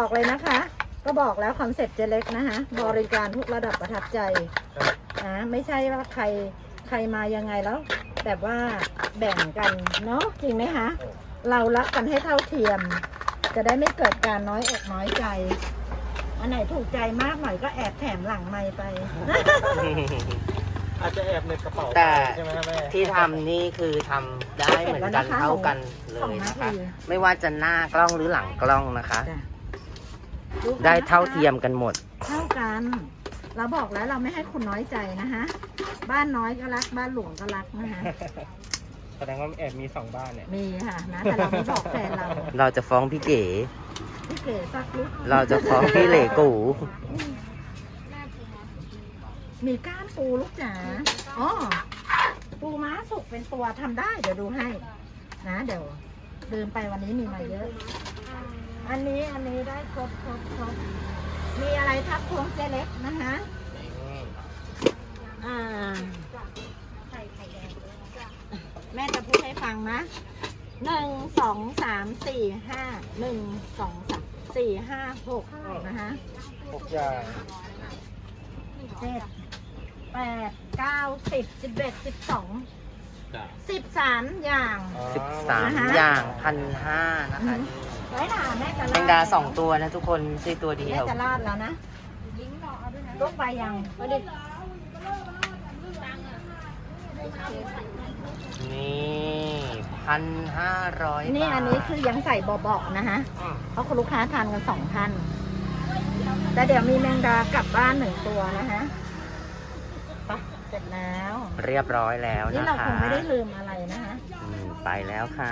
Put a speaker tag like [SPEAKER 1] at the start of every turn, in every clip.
[SPEAKER 1] บอกเลยนะคะ ก็บอกแล้วคอนเซ็ปต์เจเล็กนะคะบริการทุกระดับประทับใจนะไม่ใช่ว่าใครมายังไงแล้วแบบว่าแบ่งกันเนาะจริงไหมคะเรารักกันให้เท่าเทียม จะได้ไม่เกิดการน้อยอกน้อยใจอันไหนถูกใจมากหน่อยก็แอบแถมหลังไมค์ไป
[SPEAKER 2] อาจจะแอบในกระเป๋า
[SPEAKER 3] แต่
[SPEAKER 2] ใช่ไหมครับแม่
[SPEAKER 3] ที่ทำนี่คือทำได้เหมือนกันเท่ากันเลยนะคะ ไม่ว่าจะหน้ากล้องหรือหลังกล้องนะคะ
[SPEAKER 1] จ้ะ
[SPEAKER 3] ได้เท่าเทียมกันหมด
[SPEAKER 1] เท่ากัน เราบอกแล้วเราไม่ให้คุณน้อยใจนะคะบ้านน้อยก็รักบ้านหลวงก็รักนะคะ
[SPEAKER 2] แสดงว่าแอบมี2บ้านเนี่ย
[SPEAKER 1] มีค่ะนะแต่เราไม่บอกแฟนเรา
[SPEAKER 3] เราจะฟ้องพี่เก๋
[SPEAKER 1] พี่เก๋สักลุก
[SPEAKER 3] เราจะฟ้องพี่เหล่กู
[SPEAKER 1] มีก้านปูลูกจ๋าอ๋อปูม้าสุกเป็นตัวทำได้เดี๋ยวดูให้นะเดี๋ยวลืมไปวันนี้มีมาเยอะ อันนี้ได้ครบมีอะไรทับพวงเจเล็กนะคะแม่จะพูดให้ฟังนะ1 2 3 4 5 1 2 3 4 5 6นะคะ
[SPEAKER 2] 6 อย่าง
[SPEAKER 1] 7 8 9 10 11 12 13 อย่าง
[SPEAKER 3] 13 อย่าง1,500นะคะ
[SPEAKER 1] ไว้หนาแม่จะ
[SPEAKER 3] แมงดา2 ตัวนะทุกคนไม่ใช่ตัวเดี
[SPEAKER 1] แม่
[SPEAKER 3] ยว
[SPEAKER 1] จะราดแล้วนะลูกไปยังก็ดิ
[SPEAKER 3] นี่1,500
[SPEAKER 1] นี่
[SPEAKER 3] บาท
[SPEAKER 1] อันนี้คือยังใส่เบาๆนะคะเพราะคุณลูกค้าทานกัน2 ท่านแต่เดี๋ยวมีแมงดากลับบ้าน1 ตัวนะคะไปเสร็จแล้ว
[SPEAKER 3] เรียบร้อยแล้ว
[SPEAKER 1] นี่
[SPEAKER 3] นะ
[SPEAKER 1] เรา
[SPEAKER 3] คะ
[SPEAKER 1] คงไม่ได้ลืมอะไรนะคะ
[SPEAKER 3] ไปแล้วค่ะ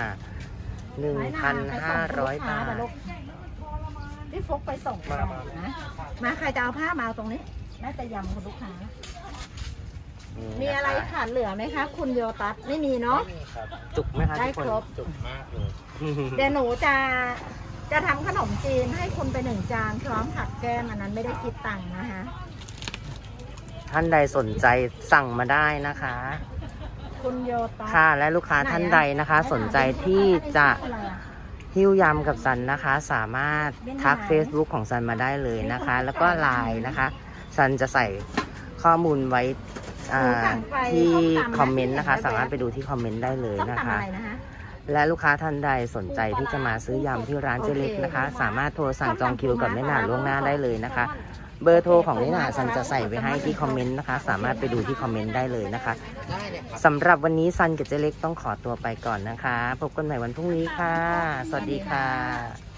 [SPEAKER 3] 1,500 บาท
[SPEAKER 1] พี่ฟกไปส่งนะมาใครจะเอาผ้ามาเอาตรงนี้แม่จะยำคุณลูกค้า มีอะไรขาดเหลือไหมคะ คุณโยตัสไม่มีเนาะ
[SPEAKER 2] ไม่มีครับ
[SPEAKER 3] จุกไหมคะ
[SPEAKER 1] ได้
[SPEAKER 3] ทุกคน
[SPEAKER 1] ครบ
[SPEAKER 2] จุกมากเลย
[SPEAKER 1] เดี๋ยวหนูจะทำขนมจีนให้คุณไป1 จานพร้อมผักแก้มอันนั้นไม่ได้คิดตังค์นะคะ
[SPEAKER 3] ท่านใดสนใจสั่งมาได้นะคะ
[SPEAKER 1] คุณโยตัส
[SPEAKER 3] ค่ะและลูกค้าท่านใดนะคะ สนใจที่จะหิ้วยำกับซันนะคะ สามารถทัก Facebook ของซันมาได้เลยนะคะ แล้วก็ไลน์นะคะซันจะใส่ข้อมูลไว้ที่คอมเมนต์นะคะ สามารถไปดูที่คอมเมนต์ได้เลย
[SPEAKER 1] ต้อง
[SPEAKER 3] นะ
[SPEAKER 1] ทำ
[SPEAKER 3] คะ
[SPEAKER 1] อะไรนะคะ
[SPEAKER 3] และลูกค้าท่านใดสนใจที่จะมาซื้อยำที่ร้านเจเล็กนะคะ สามารถโทรสั่งจองคิวกับแม่หนาล่วงหน้าได้เลยนะคะ เบอร์โทรของแม่หนาซันจะใส่ไว้ให้ที่คอมเมนต์นะคะ สามารถไปดูที่คอมเมนต์ได้เลยนะคะสำหรับวันนี้ซันกับเจเล็กต้องขอตัวไปก่อนนะคะ พบกันใหม่วันพรุ่งนี้ค่ะ สวัสดีค่ะ